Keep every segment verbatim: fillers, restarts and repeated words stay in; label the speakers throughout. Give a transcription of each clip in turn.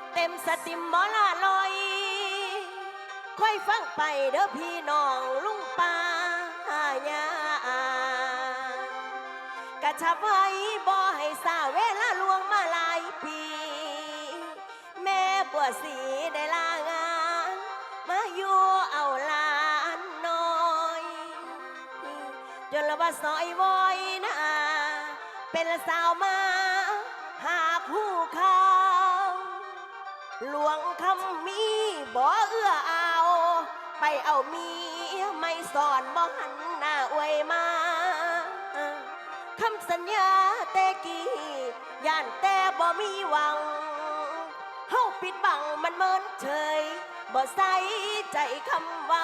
Speaker 1: เต็มสติมมอลาลอยค่อยฟังไปเด้อพี่น้องลุงป้าญากะชับไว้บ่ให้สาเวลาลวงมาหลายปีแม่บัวสีได้ลางานมาอยู่เอาหลานน้อยจนละว่าซอยบอยนะเป็นสาวมาหาคู่เขาหลวงคำมีบ่เอื้อเอาไปเอาเมียไม่สอนบ่หันหน้าอวยมาคำสัญญาแต่กี้ย่านแต่บ่มีหวังเฮาปิดบังมันเมินเฉยบ่ใส่ใจคำเว้า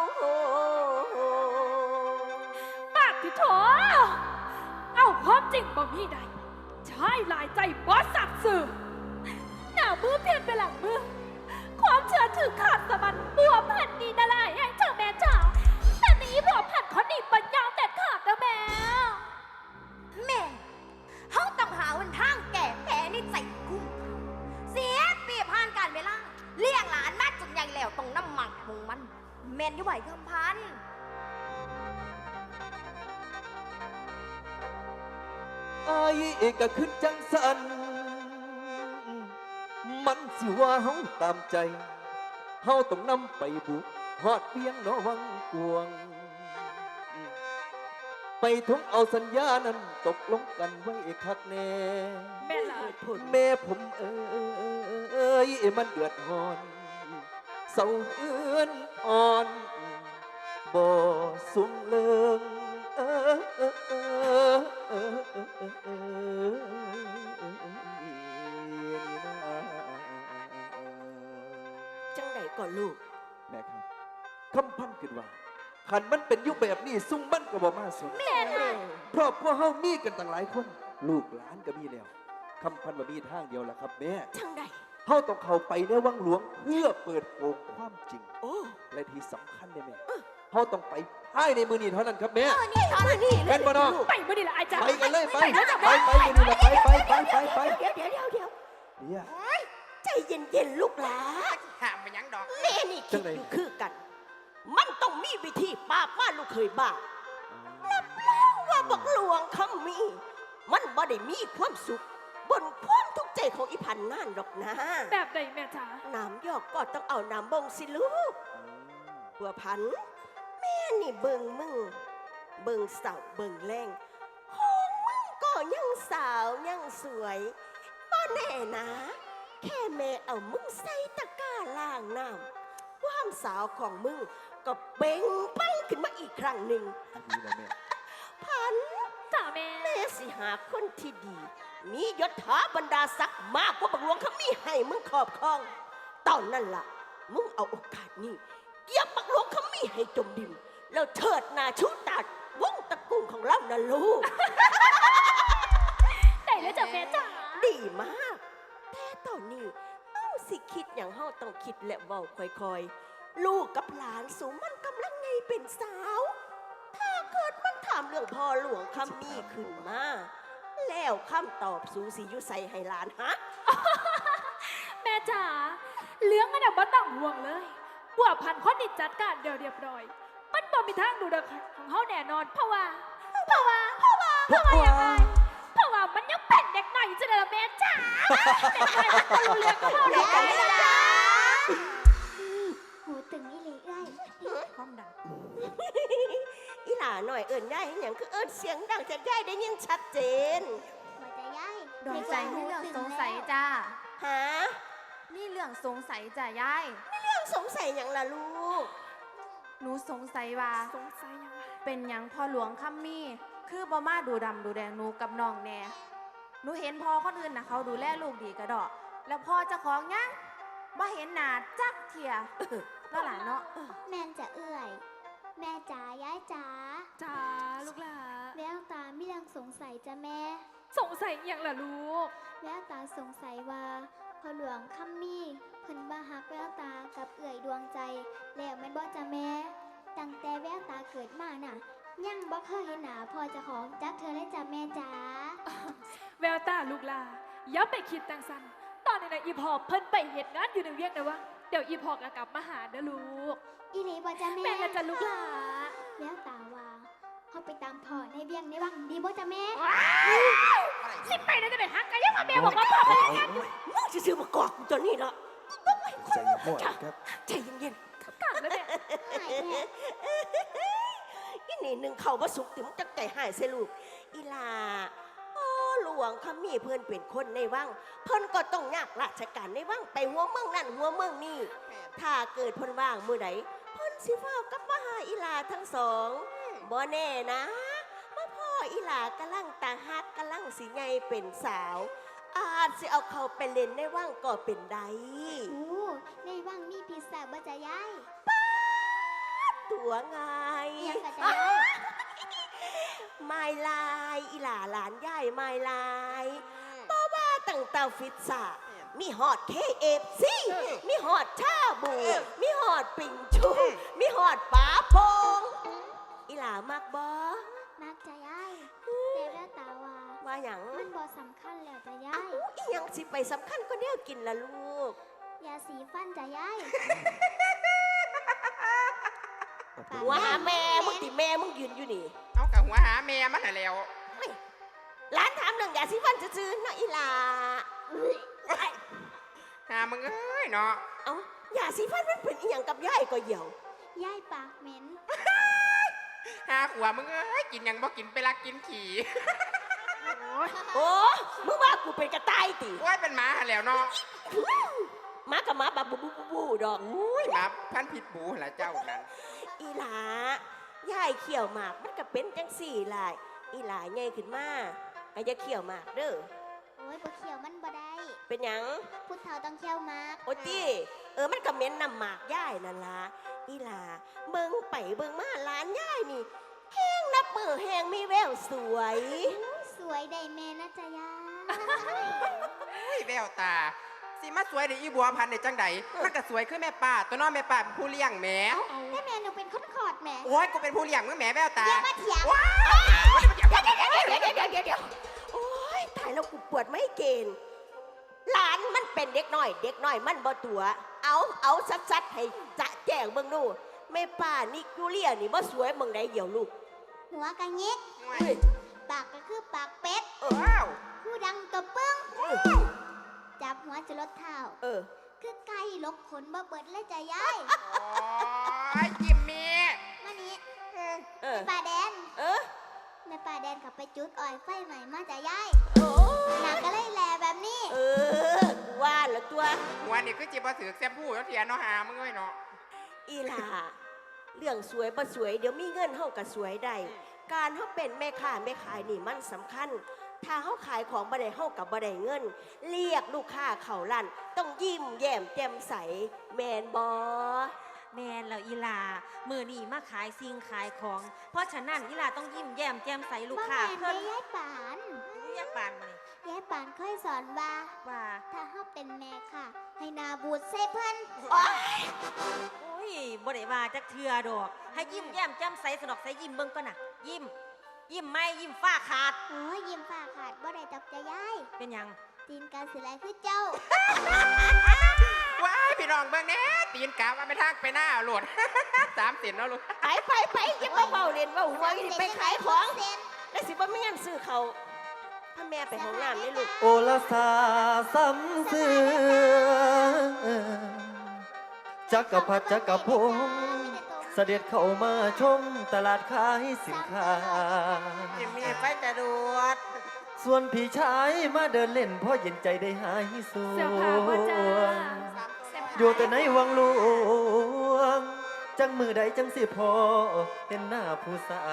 Speaker 2: ปากที่โถเอาความจริงบ่มีใดใช่หลายใจบ่สัตว์สื่อหน้ามือเพียนไปหลังมือความเชื่อถือขาดสะบัดบัวผันดีนาลายแห่งเจ้าแม่จ๋าแต่นี้บัวผันเขาหนีปัญญาแต่ขาดนะแม่
Speaker 3: แม่เฮาต้องหาวันทางแก่แผลนี่ใจกุ้งเสียปีผ่านการเวลาเลี้ยงหลานมาจนใหญ่แล้วต้องน้ำหมักหงมันแม่นอยู่ไหวคำพัน
Speaker 4: ไอ้ก็ขึ้นจังสันมันสิว่าเฮาตามใจเฮาต้องนำไปบุกฮอดเพียงนอวังกวงไปทงเอาสัญญานั้นตกลงกันไว้คักแน่
Speaker 2: แม่ละ
Speaker 4: แม่ผมเอ้ยมันเดือดร้อนเศร้าเอื้อนอ่อนบ่สูงเลิงเออเออเออเออเออเอ
Speaker 1: จังใดก่อนลูก
Speaker 4: แม่ครับคำพันขึ้นว่าขันมันเป็นยุคแบบนี้ซุ่มมันก็บ่มาสุด
Speaker 3: แม่น่ะ
Speaker 4: เพราะพวกเฮามีกันตั้งหลายคนลูกหลานก็มีแล้วคำพันว่ามีทางเดียวล่ะครับแม่
Speaker 1: จังใด
Speaker 4: เฮาต้องเข้าไปในวังหลวงเพื่อเปิดโปงความจริง
Speaker 1: โอ้
Speaker 4: และที่สำคัญเนี่ยแม่เฮาต้องไปภายในมือนี้เท่านั้นครับแม่
Speaker 3: นี่เท่านั้นนี่
Speaker 4: เป็นบ่น้อง
Speaker 2: ไปมื้อนี้ล่ะอาจารย์
Speaker 4: ไปกันเลยไปไปไปมือนี้ล่ะไปไปไปไปไป
Speaker 1: เดี๋ยวเดี๋ยวเดี๋ยวเดี๋ยว
Speaker 4: เนี่ย
Speaker 1: ใจเย็นๆลูกหลาน
Speaker 5: ห้ามไปยังดอก
Speaker 1: แม่นี่คิดอยู่คือกันมันต้องมีวิธีปราบว่าลูกเคยบ้ารับแล้วว่าบักหลวงคำมีมันบ่ได้มีความสุขบนความทุกข์ใจของอีพันนั่นหรอกนะ
Speaker 2: แบบใดแม่จ๋า
Speaker 1: น้ำยอกก็ต้องเอาน้ำบงสิลูกบัวพันแม่นี่เบิ่งมึงเบิ่งสาวเบิ่งแรงของมึงก็ยังสาวยังสวยบ่แน่นะแค่แม่เอามึงใส่ตะกร้าล้างน้ำความสาวของมึงก็เบ่งปังขึ้นมาอีกครั้งหนึ่งพัน
Speaker 2: จ้าแม่
Speaker 1: แม่สิหาคนที่ดีมียศถาบรรดาศักดิ์มากกว่าบักหลวงเขามีให้มึงครอบครองตอนนั้นล่ะมึงเอาโอกาสนี้เกียบบักหลวงเขามีให้จมดินแล้วเถิดหน้าชูตาวงตระกูลของเรานะลูก
Speaker 2: ได้แล้วจ้าแม่จ๋า
Speaker 1: ดีมากแต่ตอนนี้เอ้าสิคิดอย่างเฮาต้องคิดและเว้าค่อยๆลูกกับหลานสูมันกำลังไงเป็นสาวถ้าเกิดมันถามเรื่องพ่อหลวงคำมีขึ้นมาแล้วคำตอบสูสียุใส่ให้หลานฮะ
Speaker 2: แม่จ๋าเลี้ยงอันดับบ่ต้องห่วงเลยบัวพันคนนี่จัดการเดี๋ยวเรียบร้อยมันบ่มีทางดูดของเฮาแน่นอนเพราะว่าเพราะว่าเพราะว่าเพราะว่าอย่างไรเพราะว่ามันยังเป็นเด็กหน่อยจังเลยแม่จ๋าเด็กหน่อยมันก็รู้เรื่องกับเฮาได้กันเลยจ้า
Speaker 3: หูตึงอีหลีเอ้ย
Speaker 2: ความดัง
Speaker 1: อีหล่าหน่อยเอิญย่ายอย่างคือเอิญเสียงดังจากย่ายได้ยินชัดเจน
Speaker 3: มาจะย่าย
Speaker 6: ดวงใจมีเรื่องสงสัยจ้า
Speaker 1: ฮะ
Speaker 6: นี่เรื่องสงสัยจ้ะยาย
Speaker 1: นี่เรื่องสงสัยอย่างล่ะลูก
Speaker 6: หนูสงสัยว่า
Speaker 2: สงสัยยังไง
Speaker 6: เป็นยังพ่อหลวงคัมมี่คือบ่มาดูดำดูแดงหนูกับน้องแน่หนูเห็นพ่อคนอื่นนะเขาดูแลลูกดีกระดอกแล้วพ่อเจ้าของยังบ่เห็นหน้าจักเทียแล้วหลานเนาะ
Speaker 3: แม่จะเอื่อยแม่จ๋ายายจ๋า
Speaker 2: จ๋าลูกหลา
Speaker 3: แววตาไม่ยังสงสัยจ้ะแม่
Speaker 2: สงสัยอย่างล่ะลูก
Speaker 3: แววตาสงสัยว่าพ่อหลวงคัมมี่เพิ่นบ่ฮักแววตากับเอื่อยดวงใจแล้วแม่นบ่จ้ะแม่ตั้งแต่แววตาเกิดมาน่ะยังบ่เคยเห็นหน้าพ่อเจ้าของจักเธอเลยจ้ะแม่จ๋า
Speaker 2: แววตาลูกหลาอย่าไปคิดจังซั่นตอนอนนี้นะอีพอเพิ่นไปเหตุงานอยู่ในเวียงนะวะเดี๋ยวอีพอก็กลับมาหาเด้อลูก
Speaker 5: อีหลีบ่จ้าแม่
Speaker 2: แม่ก็จะลูกหลา
Speaker 5: แววตาว่าเขาไปตามพ่อในเวียงในวังดีบ่จ้าแม่
Speaker 2: สิไปนะจะไปหักกันยังมาแม่บอกว่าพ่อไปแล้วกัน
Speaker 1: มึงจะซื้อมากอกกูตัวนี้เนาะ
Speaker 4: ใจเย็นพ่อครับ
Speaker 1: ใจเย็น
Speaker 2: กัดแล้วแม่
Speaker 5: หายแม่
Speaker 1: ๆอีนี่หนึ่งเขาว่าสุกถึงจักใจหายเสลูกอีลาโอ้หลวงขมีเพื่อนเป็นคนในวังเพิ่นก็ต้องยากราชการในวังไปหัวเมืองนั่นหัวเมืองนี่ถ้าเกิดเพิ่นว่างมือใดเพิ่นสิฟ้าวกลับมาหาอีลาทั้งสองบ่แน่นะมาพ่ออีหลากำลังตาฮักกำลังสิไงเป็นสาว อาจสิเอาเขาไปเล่นในว่างก็เป็นได้
Speaker 5: โอ้ในวังมีพิซซ่าบ่จ้ายาย
Speaker 1: ตัวไง
Speaker 5: เอียงกับจ้ายาย
Speaker 1: ไม่ลายอีหลาหลานย่ายไม่ลายเพราะว่าตั้งแต่ฟิตซ่ามีฮอดเคเอฟซีมีฮอดชาบู มีฮอดปิ่งชูมีฮอดป๋าพงอีหลามากบอ
Speaker 5: นักจ้ายายแต่แววตาว่า
Speaker 1: ว่าหยัง
Speaker 5: มันบ่สำคัญแล้วจ้ายา
Speaker 1: อ้าวย อีหยังสิไปสำคัญก็เนี่ยกินละลูก
Speaker 5: ยาสีฟันจ้ายาย
Speaker 1: หัวหาแม่มึงติแม่มึงยืนอยู่นี่
Speaker 7: เอากับหัวหาแม่มันน่ะแล้ว
Speaker 1: ร้านถามเรื่องยาสีฟันซื่อๆเนาะอีหลาไอ้
Speaker 7: หามึงเอ้ยเนาะ
Speaker 1: เอ้ายาสีฟันมันเป็นอีหยังกับยายก็เหี่ยวย
Speaker 5: ายปากเหม็น
Speaker 7: หาหัวมึงเอ้ยกินหยังบ่กินไปลักกินขี่
Speaker 1: โอ้มึงว่ากูเป็นกระต่ายติ
Speaker 7: โอ้ยเป็นหมาหั่นแล้วเนาะ
Speaker 1: หมากับหมาบับบูบูบูบูดอก
Speaker 7: อุ้ยหมาพันผิดบูหั่นล่ะเจ้านั้น
Speaker 1: อีหลายายเขี่ยวหมากมันก็เป็นจังสี่ลายอีหลาใหญ่ขึ้นมาก็จะเขี่ยวหมากเด้อ
Speaker 5: โอ้ยบ่เขียวมันบ่ได้
Speaker 1: เป็นหยัง
Speaker 5: พุทธเฒ่าต้องเขียวมาก
Speaker 1: โอ้ตี้เออมันก็เหม็นนำหมากย่ายนั่นล่ะอีหลาเบิ่งไปเบิ่งมาร้านย่ายนี่แห้งนับมือแห้งมีแววสวย
Speaker 5: สวยได้แม่นะจ้ายาย
Speaker 7: อุ้ยแววตาสิมาสวยได้อีบัวพันธุ์ได้จังใดมันก็สวยคือแม่ป้าตัวน้องแม่ป้าเป็นผู้เลี้ยงแหม
Speaker 5: แต่แม่หนูเป็นคนขอดแม่
Speaker 7: โอ้ยกูเป็นผู้เลี้ยงมึงแหมแววตา
Speaker 5: อย่ามาเถียง
Speaker 7: ว้า
Speaker 1: เดี๋ยวเดี๋ยวเดี๋ยวเดี๋ยวเดี๋ยวเดี๋ยวโอ้ยตายแล้วกูปวดไม่เกณฑ์หลานมันเป็นเด็กน้อย เด็กน้อยมันบ่ตัว เอาเอาซัดๆให้จะแจ้งเบิ่งดูแม่ป้านี่กูเลียนี่บ่สวยเบิ่งได้เหี่ยวลูก
Speaker 5: หัวกะงิก
Speaker 7: โอ้ย
Speaker 1: เฮ้ย
Speaker 5: ปากก็คือปากเป็ด
Speaker 7: ว้าว
Speaker 5: ผู้ดังกระปึ้ง จับหัวจะลดเท้า
Speaker 1: เออ
Speaker 5: คือไก่ลกขนบ่เบิดเลยจ้ะยาย
Speaker 7: โอ้ยจิมมี่
Speaker 5: มานี่
Speaker 1: เออ
Speaker 5: แม่ป่าแดน
Speaker 1: เออ
Speaker 5: แม่ป่าแดนขับไปจุดอ้อยไฟใหม่มาจ้ะยาย
Speaker 1: โอ้
Speaker 5: หนักก็เลยแหลแบบนี้
Speaker 1: เออกูว่าแล้วตัว
Speaker 7: หัวนี่คือจิบ่ถือแซมพูแล้วเทียนเนาะหามึงเอ้ยเนาะ
Speaker 1: อีหล่าเรื่องสวยบ่สวยเดี๋ยวมีเงินเฮาก็สวยได้การเฮาเป็นแม่ค้าแม่ขายนี่มันสำคัญ ถ้าเฮาขายของบ่ได้เฮากับบ่ได้เงิน เรียกลูกค้าเข้าร้านต้องยิ้มแย้มแจ่มใสแมนบ่
Speaker 8: แมนแล้วอีหลามือนี่มาขายสิ่งขายของ เพราะฉะนั้นอีหลาต้องยิ้มแย้มแจ่มใสลูก
Speaker 5: บ่
Speaker 8: ค้า
Speaker 5: แม่น
Speaker 8: เพิ่น
Speaker 5: ได้ยายปาน
Speaker 8: เรียกปานมานี่
Speaker 5: ยายปานเคยสอนว่า
Speaker 8: ว่า
Speaker 5: ถ้าเฮาเป็นแม่ค่ะ ให้หนาบูดใส่เพิ่น
Speaker 8: โอ้ยบ่ได้ว่าจักเทือดอก ให้ยิ้มแย้มแจ่มใสสนอกใสยิ้มเบิ่งก่อนน่ะ ยิ้ม ยิ้มไม่ยิ้มฟ้าขาด
Speaker 5: โอ้ยยิ้มฝ้าขาดบ่ได้ดอกจ้ะยาย
Speaker 8: เป็นหยัง
Speaker 5: ตีนการสิไหลคือเจ้า
Speaker 7: ว้ายพี่น้องเบิ่งแหน่ตีนกาว่าไม่ทางไปหน้าโหลด สามสินเนาะลูก
Speaker 1: ไปไปไปอย่ามาเบาเล่นเบาหัวอีนี่ไปขายของ
Speaker 5: เส้น
Speaker 1: แล้วสิบ่มีเงินซื้อเขาวถ้าแม่ไปห้องน้ำนี่ลูก
Speaker 4: โอลาสาซ้ำเสือจักรพรรดิจักรพงศ์เสด็จเข้ามาชมตลาดขายสินค้า
Speaker 7: จิมมี่ไปจะดวด
Speaker 4: ส่วนพี่ชายมาเดินเล่นเพราะเย็นใจได้หายสู
Speaker 2: เสื้อผ้าบ่จ้า
Speaker 4: อยู่แต่ในวังหลวง จังมือใดจังสิพอเห็นหน้าผู้สาว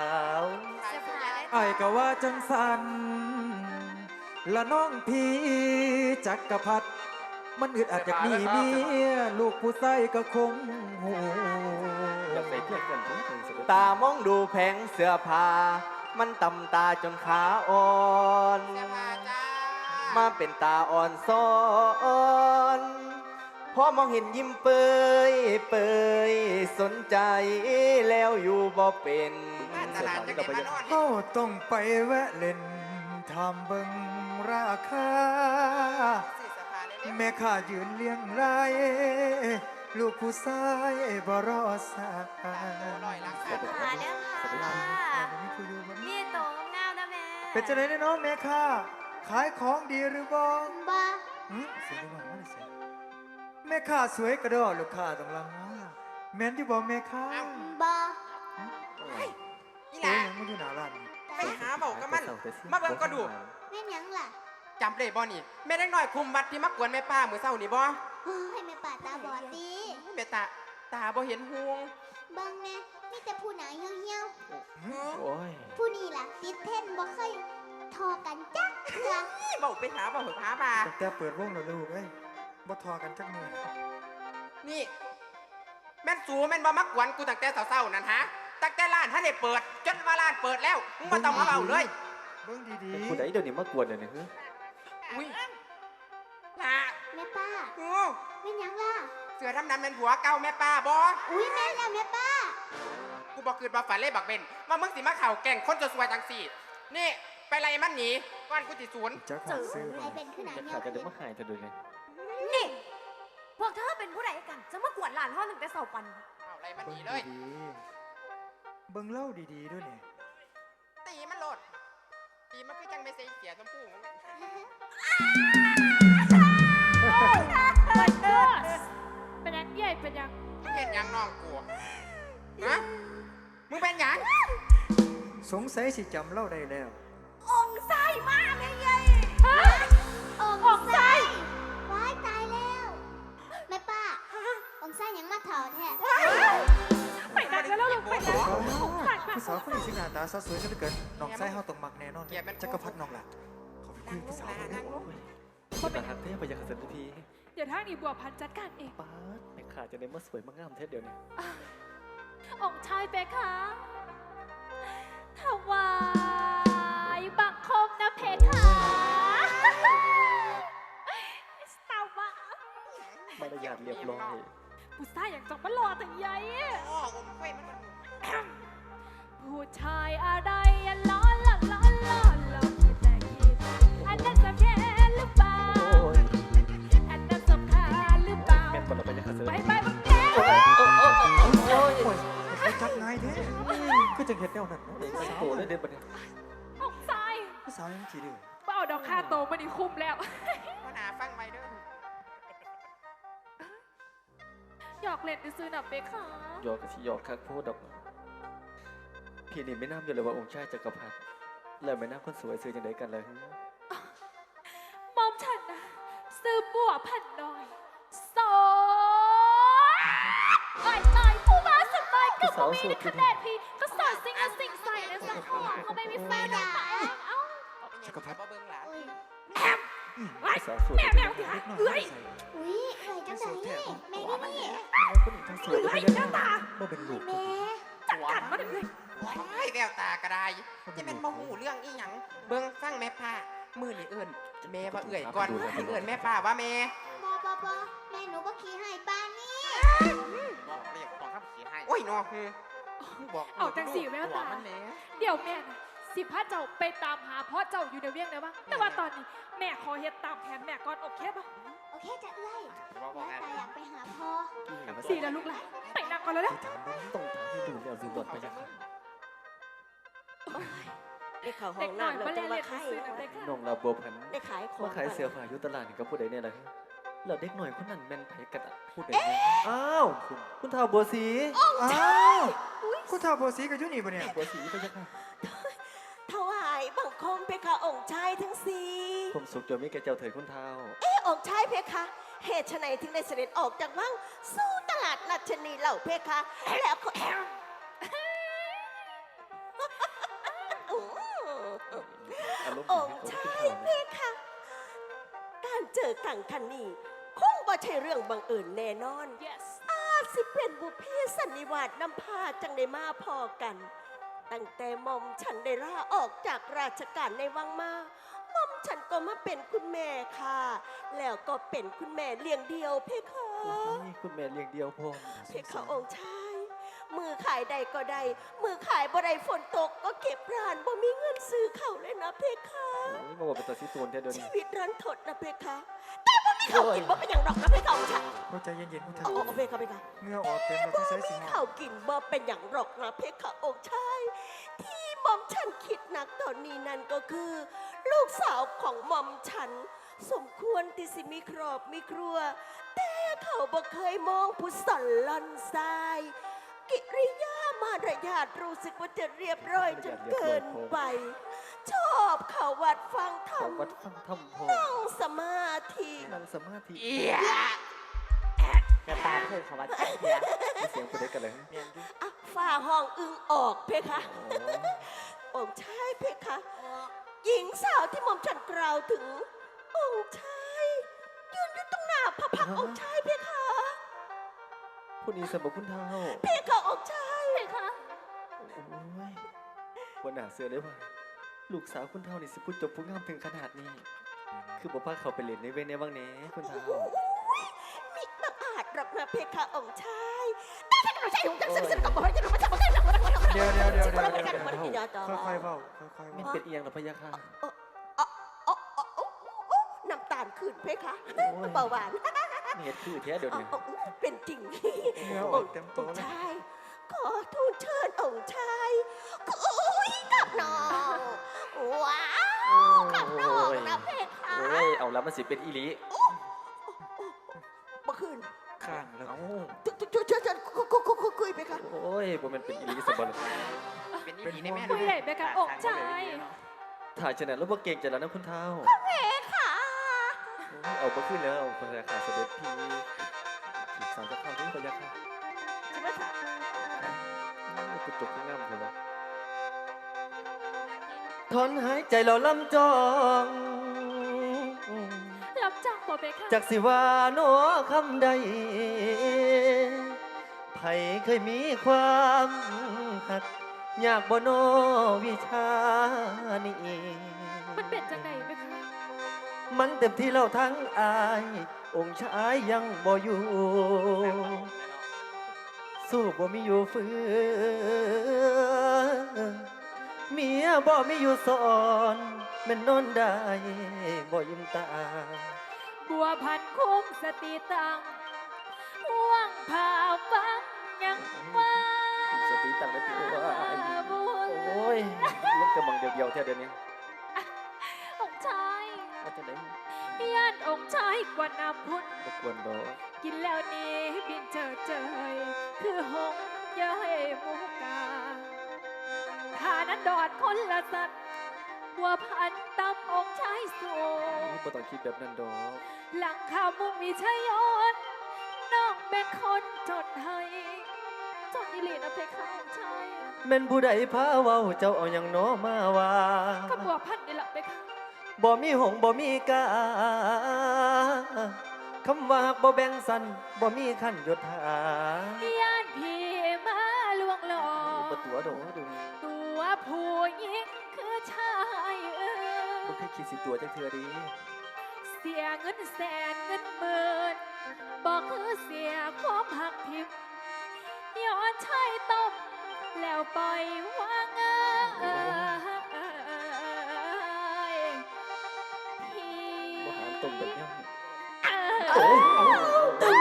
Speaker 9: ไอ้ายก็ว่าจังสันละน้องพี่จักรพรรดิมันอึดอัดจากนี้เมียลูกผู้ใส่ก็คงหู
Speaker 4: ตามองดูแผงเสื้อผ้ามันต่ำตาจนขาอ่อน
Speaker 7: เสื้อผ้าจ้า
Speaker 4: มาเป็นตาอ่อนซ้อนพอมองเห็นยิ้มเปยเปยสนใจแล้วอยู่บ่เป็น
Speaker 7: มาตลาดจะเก็บมานอน
Speaker 9: เฮาต้องไปแวะเล่นทำเบิ่งราคา
Speaker 7: ซื้อเสื้อผ้าได้ร็ว
Speaker 9: แม่ข้ายืนเลี้ยงไรลูกผู้ชายบ่รอสาย
Speaker 7: ลอยหลังคา
Speaker 3: มาแล้วค่ะนี่โตงามนะแม่
Speaker 9: เป็นจังได๋เนาะแม่ข้าขายของดีหรือบ่
Speaker 5: บ่
Speaker 9: หึเสียงดังมาเลยเสียงแม่ข้าสวยกระดอลูกค้าต้องลังว่าแม่นที่บ่แม่ข้า
Speaker 5: บ่
Speaker 7: อี
Speaker 9: โอ้
Speaker 7: ห
Speaker 9: ย
Speaker 7: ลา
Speaker 9: ยังไม่อยู่หน้าร้านนี่
Speaker 7: ไปหาเบากับมัน มาเบิ่งก็ดู
Speaker 5: แม่นหยังล่ะ
Speaker 7: จำได้บ่นี่แม่เด็กน้อยคุมวัดที่มากวนแม่ป้ามื้อเช้านี่บ่
Speaker 5: โอ้ยแม่ป่าตาบอดดี
Speaker 7: แม่ตาตาบ่เห็นหวง
Speaker 5: เบิ่งแน่มีแต่ผู้หนาเหี่ยว
Speaker 4: โอ้ย
Speaker 5: ๆผู้นี่ล่ะ ติดเท่นบ่เคยทอกันจักเทื่อ
Speaker 7: เบาไปหาเบาเหอะหาบา
Speaker 9: ตั้งแต่เปิดวงแล้วลูกเอ้ยบ่ทอกันจักมือ
Speaker 7: นี่ แม่นสูแม่นบ่มากวนกูตั้งแต่เช้าๆนั่นฮะตั้งแต่ร้านท่านได้เปิด จนว่าร้านเปิดแล้วมึงบ่ต้องมาเบาเลย
Speaker 9: เบิ่งดี
Speaker 4: เป็นผู้ใดเดี๋ยวนี้มากวนเดี๋ยวนี้เฮ้ย
Speaker 7: อุ้ยล่ะ
Speaker 5: แม่ป้า
Speaker 7: โอ้
Speaker 5: แม่นหยังล่ะ
Speaker 7: เสือดำๆเป็นผัวเก่าแม่ป้าบ่
Speaker 5: อุ้ยแม่นแล้วแม่ป้า
Speaker 7: กูบอกคืนบ่ฝันเลยบักเบนว่ามึงสิมาเข่าแก่งคนจะสวยจังสี่ นี่ ไปไล่มันหนีก่อนกูติศูนย์
Speaker 9: ๆจักหาซื้อ
Speaker 5: ไอ
Speaker 9: บ่
Speaker 5: เป็นขึ้นหนา
Speaker 4: จะ
Speaker 5: เหี่ย
Speaker 4: ขาว ดจะได้มาหายเธอดูเลย
Speaker 3: นี่พวกเธอเป็นผู้ใดกัน จะมากวดหลานห้องหนึ่งแต่เสาปัน
Speaker 7: เอาไล่มันห
Speaker 9: เบิ่
Speaker 7: นี
Speaker 9: ง
Speaker 7: เลย
Speaker 9: ดีๆเบิ่งเล่าดีๆด้วยนี่
Speaker 7: ตีมันโหลด ตีมันคือจังไม่เสียเสียสมพูมึง
Speaker 2: บันเดอร์สเป็นยังใหญ่เป็นยัง
Speaker 7: มึงเป็นหยังน้องกูฮะมึงเป็นหยัง
Speaker 9: สงสัยสิจำเล่าได้แล้ว
Speaker 3: องค์ไส้มาแม่ใหญ่
Speaker 2: ฮะ
Speaker 5: อง
Speaker 2: ออกไส้
Speaker 5: ว้ายตายแล้วแม่ป้าองค์ไส้หยังมาเถาแท้
Speaker 2: ไปนั่นแล้วลูกไปนั่นสงสารมาก
Speaker 9: ผู้สาวคนนี้สิหน้าตาสาวสวยซะเหลือเกินน้องไส้เฮาต้องมักแน่นอนจักรพรรดิน้องล่ะขอไปคุยกับผู้สาวคนนี้
Speaker 4: คนเป็นหักเทพไปยังขัดสันที
Speaker 2: เดี๋ยวทางนี้บัวพันธุ์จัดการเอง
Speaker 4: ป้าดแม่ขาจะได้มาสวยมางามเทศเดี๋ยวนี้
Speaker 2: องค์ชายเปคะถวายบังคมนะเพคะสตาร์วะ
Speaker 4: มารยาทเรียบร้อย
Speaker 2: ผู้ชายอย่างจงมารอแต่ใหญ่
Speaker 7: โอ้อมเฟ้ยมันมัน
Speaker 2: ผู้ชายอะไรอะล้อล้อล้อล้อล้อคิดแต่คิดอันนั้นสำคัญหรือเปล่า
Speaker 4: โอ้ย
Speaker 2: อันนั้นสำคัญหรือเปล่า
Speaker 4: แม่นคนละไปยังขัดสัน
Speaker 2: ไป
Speaker 4: ที
Speaker 2: ไปบังแก
Speaker 4: โอ้ยโอ้ยโอ้ยโอ้ย
Speaker 9: โอ้ยเขาจับง่ายแท้ก็จังเฮ็ดแนวนั้นเนาะ
Speaker 4: เด็ก
Speaker 9: ผู้
Speaker 4: ตั้ง
Speaker 9: สาว
Speaker 4: โตได้เด็ดปะเนี่ย
Speaker 2: องค์ชาย
Speaker 9: ผู้สาวยังขี้ดื้อ
Speaker 2: เป้าดอกค่าโตมันนี่คุ้มแล้ว
Speaker 7: พ่อหนาฟังไว้เด้อ
Speaker 2: หยอกเล่นซื้อหนับเบค่ะ
Speaker 4: หยอกกับที่หยอกคักโพดดอกพี่นี่ไม่น่าอยู่เลยว่าองค์ชายจักรพรรดิแล้วไม่น่าคนสวยซื้อจังไดกันเลย
Speaker 2: มอมฉันนะซื้อบัวพันน้อยสองตายตายผู้ว่าสบายกับบ่มีในคะแนนพี่ก็สอนสิ่งละสิ่งใส่นะสักของเขาไม่มีแฟนหรอกเอ้า
Speaker 7: จักรพรรดิบ่เบิ่งหลาน
Speaker 5: อุ้ย
Speaker 2: ไอ้
Speaker 4: สาวสวย
Speaker 2: แม่แมวที่หาเอ้ย
Speaker 5: อุ้ยเอ้ยจังไดนี่แม่นี่นี่
Speaker 4: คนอื่นทั้งสวย
Speaker 2: เอ้ยหน้าตา
Speaker 9: บ่เป็นลูก
Speaker 5: แม่
Speaker 2: จัดการมาเลย
Speaker 7: ว้ายแววตากระไดจะเป็นบ่หูเรื่องอีหยัง เบิ่งฟังแม่ป้ามือนี่เอิ้นแม่ว่าเอื่อยก่อนให้เอิ้นแม่ป้าว่าแม่
Speaker 5: บอบอบอแม่หนูบ่ขี้ให้ป้านนี่
Speaker 7: บอกเรียกต้องคำขี้ให้โอ้ยน้อฮือบอก
Speaker 2: เอาจังสีแววตา
Speaker 7: มันแหน่
Speaker 2: เดี๋ยวแม่นะสิพาเจ้าไปตามหาพ่อเจ้าอยู่ในเวียงได้บ้างแต่ว่าตอนนี้แม่ขอเฮ็ดตามแผนแม่ก่อนโอเคปะ
Speaker 5: โอเคจะเอื้อยแม่ตาอยากไปหาพ่อ
Speaker 2: สีแล้วลูกหลานไปนั่งก่อนแล้วเด้อ
Speaker 9: ที่ถามเบิ่ง
Speaker 4: ต้องถามให้ดูแล้วดูบทไปยังไง
Speaker 1: ได้ข่าวห้อ
Speaker 2: เด็ก
Speaker 1: ง
Speaker 2: หน่อย
Speaker 1: น้ำเรา
Speaker 2: มา
Speaker 1: จะ
Speaker 2: เล่น
Speaker 1: มา
Speaker 2: เล่น
Speaker 1: ขาย
Speaker 2: ซื้อหนังเด็กค่ะ
Speaker 4: น้องลาบัวพันธุ์
Speaker 1: ได้ขายของ
Speaker 4: มาขายเสื้อผ้าอยู่ตลาดนี่กับผู้ใดเนี่ยล่ะแล้วเด็กหน่อยคนนั้นแม่นไผกันอะผู้ใดเนี่ยอ้าวคุณคุณท้าวบัวสี
Speaker 9: อ้าวคุณท้าวบัวสีก็อยู่นี่บ่เนี่ย
Speaker 4: บัวสีไปยังไง
Speaker 1: ถวายบังคมเพคะองค์ชายทั้งสี่
Speaker 4: ผมสุขจะมีแก่เจ้าเถิดคุณท้าว
Speaker 1: เอ๊ะองค์ชายเพคะเหตุไฉนถึงได้เสด็จออกจากวังสู่ตลาดนัดชนีเหล่าเพคะแล้วก็
Speaker 4: อารมณ์
Speaker 1: อง
Speaker 4: ดี
Speaker 1: ค์
Speaker 4: ให้
Speaker 1: ชา
Speaker 4: เขา
Speaker 1: ย
Speaker 4: ขึ้น
Speaker 1: เพ
Speaker 4: ท้าว
Speaker 1: คะการเจอกันคันนี้คงบ่ใช่เรื่องบังเอิญแน่นอน
Speaker 2: yes
Speaker 1: อาจสิเป็นบุพเพสันนิวาสนำพาจังได้มาพอกัน ตั้งแต่หมอมฉันได้ลาออกจากราชการในวังมาหมอมฉันก็มาเป็นคุณแม่ค่ะ แล้วก็เป็นคุณแม่เลี้ยงเดียวเพคะ
Speaker 4: โอ้ยคุณแม่เลี้ยงเดียวพร้อม
Speaker 1: เพคะองค์ชาย มือขายใดก็ได้ มือขายบ่ได้ฝนตกก็เก็บร้านบ่มีเงินซื้อเขาวเลยนะเพคะ
Speaker 4: โอ้ยมาบอกเป็นตัวซีตูนแท้เดี๋ยว
Speaker 1: ชี
Speaker 4: นี้
Speaker 1: วิตรันทดนะเพคะ แต่บ่มีมีเขากินบ่เป็นอย่างดอกนะเพคะองค์ชาย
Speaker 9: เข้าใจเย็นๆคุณ
Speaker 1: โอ้
Speaker 9: เท่า
Speaker 1: โอ้เพคะเพคะ
Speaker 9: เหงื่อออกเต็มแล้วที่ใช้สิงห์
Speaker 1: เขากินบ่เป็นอย่างดอกนะเพคะองค์ชายที่หม่อมฉันคิดหนักตอนนี้นั่นก็คือ ลูกสาวของหม่อมฉัน สมควรที่สิมีครอบมีครัว แต่เขาบ่เคยมองผู้สอนลอนทราย กิริยามารยาทรู้สึกว่าจะเรียบร้อยจนเกินไป ชอบเขาวัดฟังธรรม
Speaker 4: วัดฟังธรรมพอ
Speaker 1: นั่งสมาธิ
Speaker 4: นั่งสมาธิ
Speaker 7: เอีย
Speaker 8: กระตาเพื่อนเขาว่าจักเทื่อ
Speaker 4: มีเสียงคนเด็กกันเลย
Speaker 1: อ่ะฝ่าห้องอึงออกเพคะ องค์ชายเพคะ หญิงสาวที่หม่อมฉันกล่าวถึง องค์ชายยืนอยู่ตรงหน้าพระพักตร์องค์ชายเพคะ
Speaker 4: ผู้นี้สมบูรณ์คุณเท่า
Speaker 1: เพคะองค์ชาย
Speaker 2: เพคะ
Speaker 4: โอ้ยวันหนาเสือได้ว่าลูกสาวคุณเท่านี่สิพูดจบพูดงามถึงขนาดนี้ คือบอกว่าเขาไปเล่นในเว้นในว่างแหน่คุณเท่า
Speaker 1: มิบังอาจหรอกนะเพคะองค์ชายแต่ถ้าเราใช้องค์จังซึ่งซึ่งก็บอกว่าจะรู้ว่าจะบอกได้หรอก
Speaker 9: เดี๋ยวเดี๋ยวเดี๋ยว
Speaker 1: เดี๋
Speaker 9: เดี๋
Speaker 1: ย
Speaker 9: ยว ว
Speaker 1: เดี๋
Speaker 9: เดี๋
Speaker 1: ย
Speaker 9: ยว ว
Speaker 1: เดี๋ยวเดี๋ยว
Speaker 9: ค่อยๆเบาค่อยๆ
Speaker 4: ไม่
Speaker 9: เบา
Speaker 4: เป็นเอียงหรอพะยะค่ะ
Speaker 1: น้ำตาลขึ้นเพคะ
Speaker 4: โอ้ย
Speaker 1: เบาหวาน
Speaker 4: เหตุคือแท้เดี๋ยวนี้
Speaker 1: เอาเอาเป็นจริง
Speaker 9: เหงื่อออกเต็มตัว
Speaker 1: องค์
Speaker 9: เลย
Speaker 1: ชายขอทูลเชิญองค์ชายคุยกับน้องว้าวกับน้องนะเพคะ
Speaker 4: โอ้ยเอาแล้วมันสิเป็นอีหลี
Speaker 1: เมื่อคืน
Speaker 9: ข้างแล้ว
Speaker 4: เอ้า
Speaker 1: ช่วยช่วยช่วยคุยคุยคุยคุยคุยเพคะ
Speaker 4: โอ้ยบ่แมันเป็นอีหลีสมบัติ
Speaker 7: เป็นอีหลีในแม่
Speaker 2: คุยได้เพคะองค์ชาย
Speaker 4: ถ่ายชนะแล้วบ่เก่งใจแล้วนะคุณเท่า
Speaker 1: เพคะ
Speaker 4: โอ้ยเอาบ่ขึ้นแล้วพะยะค่ะเสด็จพี่จีบสาวจะเข้าด้วยพะยะค่ะ
Speaker 1: ใช่ไหมคะ
Speaker 4: พูดจบพูดงามเลยวะถอนหายใจเราลำจอง
Speaker 2: รับจังบ่เพคะ
Speaker 4: จากสิว่าโนคำใดไผเคยมีความหัก อยากบ่โนวิชานี้
Speaker 2: มันเป็นจังไดเพคะ
Speaker 4: มันเต็มที่เราทั้งอาย องค์ชายยังบ่อยู่ สู้บ่มีอยู่ฟื้นเมียบ่มีอยู่สอนแม่นนอนได้บ่ยิ้มตา
Speaker 2: บัวพันคุ้มสติตังห่วงผ่าฟังยังว่า
Speaker 4: สติตั้งแต่ปีว่า
Speaker 2: บุญ
Speaker 4: โอ้ยลูกจะมองเดียวๆแท้เดี๋ยวนี้
Speaker 2: องค์ชาย
Speaker 4: ว่าจะไหน
Speaker 2: ย่านองค์ชายกว่าน้ำพุน
Speaker 4: รบกวนดอก
Speaker 2: กินแล้วนี้บินเจอเจยคือหงส์เย้ยหมูกาถ้านั้นดอดคนละสัตว์บัวพันตำองค์ชายสูง
Speaker 4: บ่ต้องคิดแบบนั้นดอก
Speaker 2: หลังข่าวมุ่งมีชัยยนน้องเป็นคนจดให้จดอิลีนะเพคะองค์ชาย
Speaker 4: แม่นผู้ใดพาเว้าเจ้าเอาหยังน้อมาว่า
Speaker 2: กับบัวพันนี่แหละเพคะ
Speaker 4: บ่มีหงส์บ่มีกาคำว่าฮักบ่แบ่งสันบ่มีขั้นยศถา
Speaker 2: ย่านพี่มาลวงหลอ
Speaker 4: บ่ตัวดอกดู
Speaker 2: ตัวผู้หญิงคือชายเอ
Speaker 4: บ่
Speaker 2: อ
Speaker 4: เคยคิดสิตัวจักเทื่อดี
Speaker 2: เสียเงินแสนเงินหมื่นบอกคือเสียความหักทิพย์ย้อนชายต้มแล้วปล่อยวางเอ้ยพี่
Speaker 4: บ่หามตรงแบบนี้
Speaker 2: เอ้ย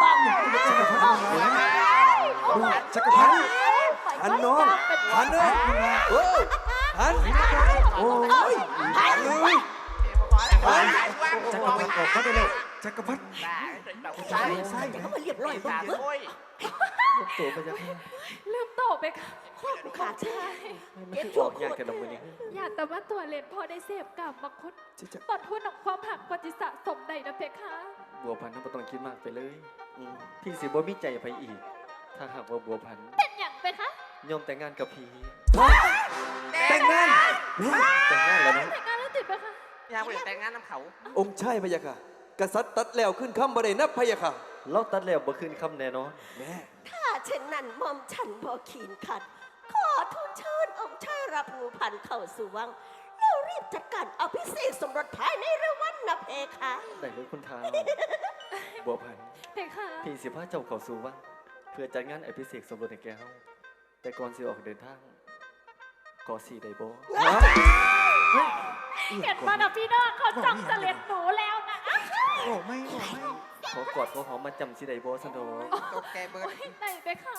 Speaker 9: จักรพันธ์พันน้องพันเอ้ยโอ้ยพันโอ้ยพันเลยพันจักรพันธ์ออกมาได้แล้วจักรพันธ์
Speaker 1: ใช่ใช่เขามาเรียบร้อยบ้างเว้ย
Speaker 7: โอ้ย
Speaker 4: ลูกตัวพะยะค่ะ
Speaker 2: ลืมโตไปค่ะ
Speaker 1: ขาดใช่
Speaker 4: มันคือออกยากแต่ละมื้อนี้
Speaker 2: อย่าแต่ว่าตัวเล่นพอได้เสพกับบางคน
Speaker 9: จะจะ
Speaker 2: ตอนทุนของความหักปฏิสะสมใดนะเพคะ
Speaker 4: บัวพันธุ์บ่ต้องคิดมากไปเลยอืมพี่สิบ่มีใจไปอีก ถ้าหากว่าบัวพันธุ์
Speaker 2: เป็นอย่างเพคะ
Speaker 4: ยอมแต่งงานกับพี่
Speaker 9: แต่งงาน
Speaker 4: แต่งงานแล้วเนาะ
Speaker 2: แต่งงานแล้วติดเพคะ
Speaker 7: อยากไปแต่งงานน้ำเขา
Speaker 10: องค์ชายพะยะค่ะ กษัตริย์ตัดแล้วขึ้นคำบ่ได้นับพะยะค่ะ
Speaker 4: เราตัดแล้วบ่คืนคำแน่นอน
Speaker 10: แม่
Speaker 1: ถ้าเช่นนั้นหม่อมฉันพอขีนขัด ขอทูลเชิญองค์ชายรับงูพันเข้าสู่วัง แล้วรีบจัดการอภิเษกสมรสภายในเร็ววันนะเพคะ
Speaker 4: ได้เลยคุณท้าวบัวพันธุ์
Speaker 2: เพคะ
Speaker 4: พี่สิพาเจ้าเข้าสู่วังเพื่อจัดงานอภิเษกสมรสให้แก่เฮาแต่ก่อนสิออกเดินทางขอสีได้บ่
Speaker 2: เห็นมานะพี่น้องเขาจ้องจะเล็ดหนูแล้วนะ
Speaker 4: โ
Speaker 9: โอ้ไม่โอ้ไม่
Speaker 10: ขอกอดขอหอมมาจำสิได้บ่สะดอก
Speaker 7: ตกใจเบิด
Speaker 2: ไหนไปคะ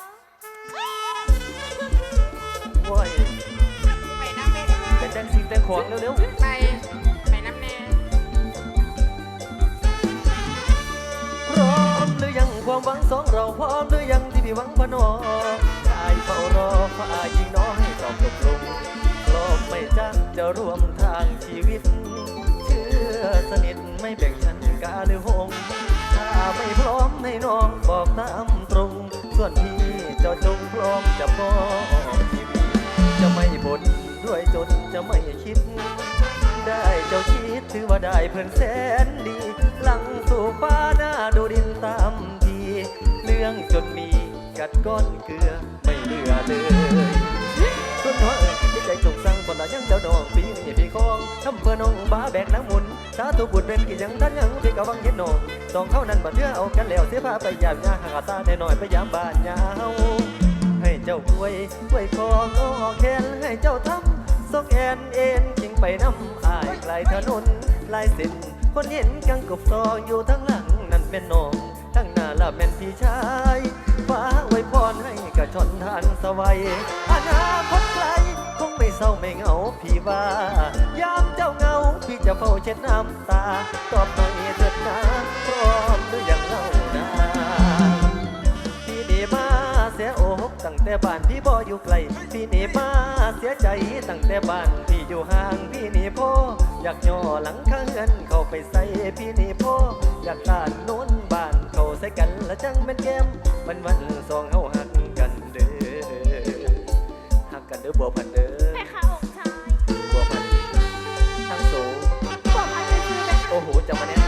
Speaker 10: โอ้ย
Speaker 7: ไปน้ำแน่
Speaker 10: เป็นจังสิ่งแต่งของเร็ว
Speaker 7: ไปไปน้ำแน่
Speaker 10: ๆพร้อมหรือยังความหวังสองเราพร้อมหรือยังที่พี่หวังพนอชายเฝ้ารอฝ่ายหญิงน้อยตอบตกลงพร้อมไม่จักจะร่วมทางชีวิต เชื่อสนิทไม่แบ่งชั้นกาหรือหงถ้าไม่พร้อมให้น้องบอกตามตรง ส่วนพี่เจ้าจงพร้อมจะมอบชีวิตจะไม่บ่นด้วยจนจะไม่คิด ได้เจ้าคิดถือว่าได้เพื่อนแสนดี หลังสู่ฟ้าหน้าดูดินตามทีเรื่องจนมีกัดก้อนเกลือไม่เหลือเลยส่วนน้อยเอ๋ยที่ใจจงสั่งบนละยังเจ้าน้องปีนี่พี่คองทำเพื่อน้องบ้าแบกน้ำมุนสาธุบุญเป็นกี่ยังท่านยังพี่กะวังเห็นน้องสองเขานั้นบัดเทื่อเอากันแล้วเสียผ้าไปยามยาหากตาแน่หน่อยไปยามบ้านยาวให้เจ้าป่วยป่วยคองอ้อแขนให้เจ้าทำ สกแอนเอ็นยิงไปน้ำอายไกลถนนลายเส้นคนเห็นกังกบซออยู่ทั้งหลังนั่นเป็นน้องทั้งหน้าละเป็นพี่ชายฟ้าไว้พรให้กระชอนทานสวัยอนาคตไกลคงไม่เศร้าไม่เหงาพี่ว่ายามเจ้าเหงาพี่จะเฝ้าเช็ดน้ำตาตอบหน่อยเถิดนะพร้อมหรือยังเล่านาพี่นี่มาเสียอกตั้งแต่บ้านพี่บ่อยู่ไกลพี่นี่มาเสียใจตั้งแต่บ้านพี่อยู่ห่างพี่นี่พ่ออยากย่อหลังข้างเงินเข้าไปใส่พี่นี่พ่ออยากตานโน้นบ้านเข้าใส่กันละจังเป็นแก้มวันวันสองเฮาหักกันเด้อหักกันเด้อบัวพันเด้อ
Speaker 2: แม่ค่ะองค์ชาย
Speaker 10: บัวพันทั้งสูง
Speaker 2: บอกพันไปซื้อไป
Speaker 10: โอ้โหจะมาแน่